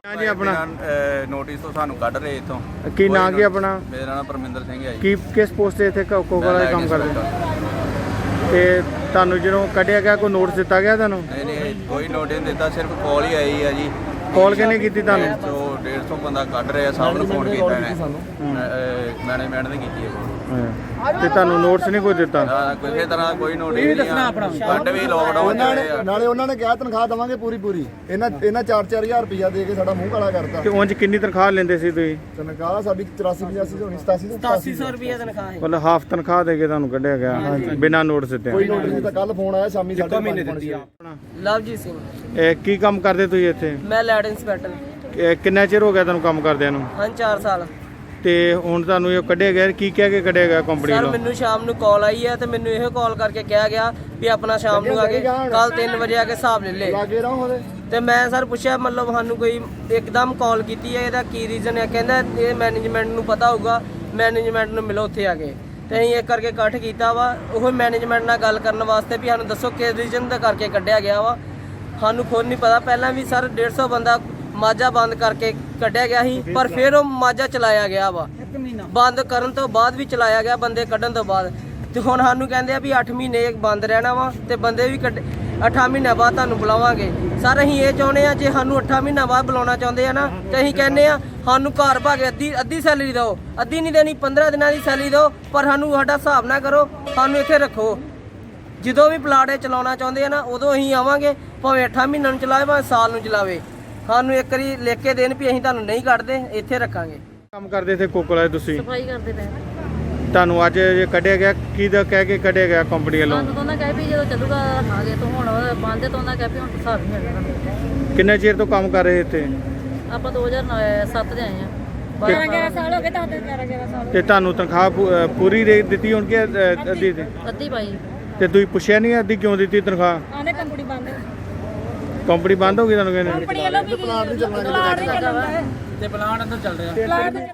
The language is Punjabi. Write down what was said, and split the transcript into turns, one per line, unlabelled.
हाँ जी अपना
ਨੋਟਿਸ ਤੋਂ ਸਾਨੂੰ ਕੱਢ ਰਹੇ ਇਥੋਂ।
ਕੀ ਨਾਂ ਕੀ ਆਪਣਾ?
ਮੇਰਾ ਨਾਮ ਪਰਮਿੰਦਰ ਸਿੰਘ ਹੈ ਜੀ।
ਕੀ ਕਿਸ ਪੋਸਟ ਤੇ ਇੱਥੇ ਕੋਕੋਲਾ ਦਾ ਕੰਮ ਕਰਦੇ ਤੇ ਤੁਹਾਨੂੰ ਜਦੋਂ ਕੱਢਿਆ ਗਿਆ ਕੋਈ ਨੋਟਿਸ ਦਿੱਤਾ ਗਿਆ ਤੁਹਾਨੂੰ?
ਨਹੀਂ ਕੋਈ ਨੋਟਿਸ ਨਹੀਂ ਦਿੱਤਾ, ਸਿਰਫ ਕਾਲ ਹੀ ਆਈ ਹੈ ਜੀ।
ਕਾਲ ਕਿਹਨੇ ਕੀਤੀ ਤੁਹਾਨੂੰ?
150 ਬੰਦਾ ਕੱਢ ਰਿਹਾ, ਸਭ ਨੂੰ ਫੋਨ ਕੀਤਾ ਇਹਨੇ, ਮੈਨੇਜਮੈਂਟ ਨੇ ਕੀਤੀ ਹੈ।
ਤੇ ਤੁਹਾਨੂੰ ਨੋਟਿਸ ਨਹੀਂ ਕੋਈ ਦਿੱਤਾ?
ਕਿਸੇ ਤਰ੍ਹਾਂ ਕੋਈ ਨੋਟਿਸ ਨਹੀਂ। ਕੱਢ ਵੀ ਲੋਕਡਾਊਨ
ਨਾਲੇ ਉਹਨਾਂ ਨੇ ਕਿਹਾ ਤਨਖਾਹ ਦਵਾਂਗੇ ਪੂਰੀ। ਇਹਨਾਂ 4-4000 ਰੁਪਇਆ ਦੇ ਕੇ ਸਾਡਾ ਮੂੰਹ ਕਾਲਾ ਕਰਤਾ।
ਤੇ ਉਂਝ ਕਿੰਨੀ ਤਨਖਾਹ ਲੈਂਦੇ ਸੀ ਤੁਸੀਂ?
ਤਨਖਾਹ ਸਾਡੀ 84-85 ਹੋਣੀ,
8700 ਰੁਪਏ ਤਨਖਾਹ ਹੈ।
ਮਤਲਬ ਹਾਫ ਤਨਖਾਹ ਦੇ ਕੇ ਤੁਹਾਨੂੰ ਕੱਢਿਆ ਗਿਆ ਬਿਨਾਂ ਨੋਟਿਸ ਦਿੱਤੇ?
ਕੋਈ ਨੋਟਿਸ ਨਹੀਂ ਤਾਂ ਕੱਲ ਫੋਨ ਆਇਆ ਸ਼ਾਮੀ 5:30
ਲਵਜੀਤ ਸਿੰਘ,
ਕੀ ਕੰਮ ਕਰਦੇ ਤੁਸੀਂ ਇੱਥੇ?
ਮੈਂ ਲੈਡ ਇੰਸਪੈਕਟਰ।
ਕਿੰਨਾ ਚਿਰ ਹੋ ਗਿਆ ਤੁਹਾਨੂੰ ਕੰਮ ਕਰਦਿਆਂ ਨੂੰ?
ਹਾਂ 4 ਸਾਲ।
ਤੇ ਹੁਣ ਤੁਹਾਨੂੰ ਇਹ ਕੱਢਿਆ ਗਿਆ, ਕੀ ਕਹਿ ਕੇ ਕੱਢਿਆ ਗਿਆ ਕੰਪਨੀ
ਸਰ
ਵੱਲੋਂ?
ਮੈਨੂੰ ਸ਼ਾਮ ਨੂੰ ਕਾਲ ਆਈ ਹੈ ਤੇ ਮੈਨੂੰ ਇਹੋ ਕਾਲ ਕਰਕੇ ਕਿਹਾ ਗਿਆ ਵੀ ਆਪਣਾ ਸ਼ਾਮ ਨੂੰ ਆ ਕੇ ਕੱਲ 3 ਵਜੇ ਆ ਕੇ ਹਿਸਾਬ ਲੈ ਲੈ।
ਲਾਗੇ ਰਹੋ ਉਹਦੇ।
ਤੇ ਮੈਂ ਸਰ ਪੁੱਛਿਆ ਮਤਲਬ ਸਾਨੂੰ ਕੋਈ ਇੱਕਦਮ ਕਾਲ ਕੀਤੀ ਹੈ, ਇਹਦਾ ਕੀ ਰੀਜ਼ਨ ਹੈ? ਕਹਿੰਦਾ ਇਹ ਮੈਨੇਜਮੈਂਟ ਨੂੰ ਪਤਾ ਹੋਊਗਾ, ਮੈਨੇਜਮੈਂਟ ਨੂੰ ਮਿਲੋ ਉੱਥੇ ਆ ਕੇ। ਤੇ ਅਸੀਂ ਇਹ ਕਰਕੇ ਇਕੱਠ ਕੀਤਾ ਵਾ ਉਹ ਮੈਨੇਜਮੈਂਟ ਨਾਲ ਗੱਲ ਕਰਨ ਵਾਸਤੇ ਵੀ ਸਾਨੂੰ ਦੱਸੋ ਕਿਸ ਰੀਜ਼ਨ ਦਾ ਕਰਕੇ ਕੱਢਿਆ ਗਿਆ ਵਾ। ਸਾਨੂੰ ਖੁਦ ਨਹੀਂ ਪਤਾ। ਪਹਿਲਾਂ ਵੀ ਸਰ 150 ਬੰਦਾ ਮਾਝਾ ਬੰਦ ਕਰਕੇ ਕੱਢਿਆ ਗਿਆ ਸੀ, ਪਰ ਫਿਰ ਉਹ ਮਾਝਾ ਚਲਾਇਆ ਗਿਆ ਵਾ। ਬੰਦ ਕਰਨ ਤੋਂ ਬਾਅਦ ਵੀ ਚਲਾਇਆ ਗਿਆ, ਬੰਦੇ ਕੱਢਣ ਤੋਂ ਬਾਅਦ। ਤੇ ਹੁਣ ਸਾਨੂੰ ਕਹਿੰਦੇ ਆ ਵੀ 8 ਮਹੀਨੇ ਬੰਦ ਰਹਿਣਾ ਵਾ ਤੇ ਬੰਦੇ ਵੀ 8 ਮਹੀਨਿਆਂ ਬਾਅਦ ਤੁਹਾਨੂੰ ਬੁਲਾਵਾਂਗੇ। ਸਰ ਅਸੀਂ ਇਹ ਚਾਹੁੰਦੇ ਆ, ਜੇ ਸਾਨੂੰ 8 ਮਹੀਨਿਆਂ ਬਾਅਦ ਬੁਲਾਉਣਾ ਚਾਹੁੰਦੇ ਆ ਨਾ, ਤੇ ਅਸੀਂ ਕਹਿੰਦੇ ਆ ਸਾਨੂੰ ਘਰ ਭਾਗੇ ਅੱਧੀ ਸੈਲਰੀ ਦਿਓ। ਅੱਧੀ ਨਹੀਂ ਦੇਣੀ, 15 ਦਿਨਾਂ ਦੀ ਸੈਲਰੀ ਦਿਓ, ਪਰ ਸਾਨੂੰ ਸਾਡਾ ਹਿਸਾਬ ਨਾ ਕਰੋ, ਸਾਨੂੰ ਇੱਥੇ ਰੱਖੋ। ਜਦੋਂ ਵੀ ਪਲਾਟ ਚਲਾਉਣਾ ਚਾਹੁੰਦੇ ਆ ਨਾ, ਉਦੋਂ ਅਸੀਂ ਆਵਾਂਗੇ, ਭਾਵੇਂ 8 ਮਹੀਨਿਆਂ ਨੂੰ ਚਲਾਵੇ ਭਾਵੇਂ ਸਾਲ ਨੂੰ ਚਲਾਵੇ। ਸਾਨੂੰ ਇੱਕ ਵਾਰੀ ਲਿਖ ਕੇ ਦੇਣ ਵੀ ਅਸੀਂ ਤੁਹਾਨੂੰ ਨਹੀਂ ਕੱਢਦੇ, ਇੱਥੇ ਰੱਖਾਂਗੇ।
ਕੰਮ ਕਰਦੇ ਇੱਥੇ ਕੋਕੋਲਾ ਤੁਸੀਂ?
ਸਫਾਈ ਕਰਦੇ ਪਏ।
ਤੁਹਾਨੂੰ ਅੱਜ ਜੇ ਕੱਢਿਆ ਗਿਆ, ਕੀ ਦਾ ਕਹਿ ਕੇ ਕੱਢਿਆ ਗਿਆ ਕੰਪਨੀ ਵੱਲੋਂ?
ਸਾਨੂੰ ਤਾਂ ਉਹਨਾਂ ਕਹਿ ਵੀ ਜਦੋਂ ਚੱਲੂਗਾ ਆਗੇ ਤੋਂ ਹੁਣ ਬੰਦ ਤੋਂ ਉਹਨਾਂ ਕਹਿ ਵੀ ਹੁਣ ਹਿਸਾਬ ਨਹੀਂ ਮਿਲਣਾ।
ਕਿੰਨੇ ਚਿਰ ਤੋਂ ਕੰਮ ਕਰ ਰਹੇ ਇੱਥੇ?
ਆਪਾਂ 2007 ਦੇ ਆਏ ਆ।
11 ਸਾਲ ਹੋ ਗਏ, 11 ਸਾਲ।
ਤੇ ਤੁਹਾਨੂੰ ਤਨਖਾਹ ਪੂਰੀ ਦਿੱਤੀ ਹੁਣ ਕਿ ਅੱਧੀ?
ਅੱਧੀ ਪਾਈ।
ਤੇ ਤੁਸੀਂ ਪੁੱਛਿਆ ਨਹੀਂ ਅੱਧੀ ਕਿਉਂ ਦਿੱਤੀ ਤਨਖਾਹ?
ਆਨੇ ਕੰਪਨੀ ਬੰਦ।
ਕੰਪਨੀ ਬੰਦ ਹੋ ਗਈ ਤੁਹਾਨੂੰ ਕਹਿੰਦੇ?
ਕੰਪਨੀ ਵੱਲੋਂ ਵੀ ਪਲਾਟ ਨਹੀਂ ਚੱਲਣਾ
ਤੇ ਪਲਾਟ ਅੰਦਰ ਚੱਲ ਰਿਹਾ।
ਪਲਾਟ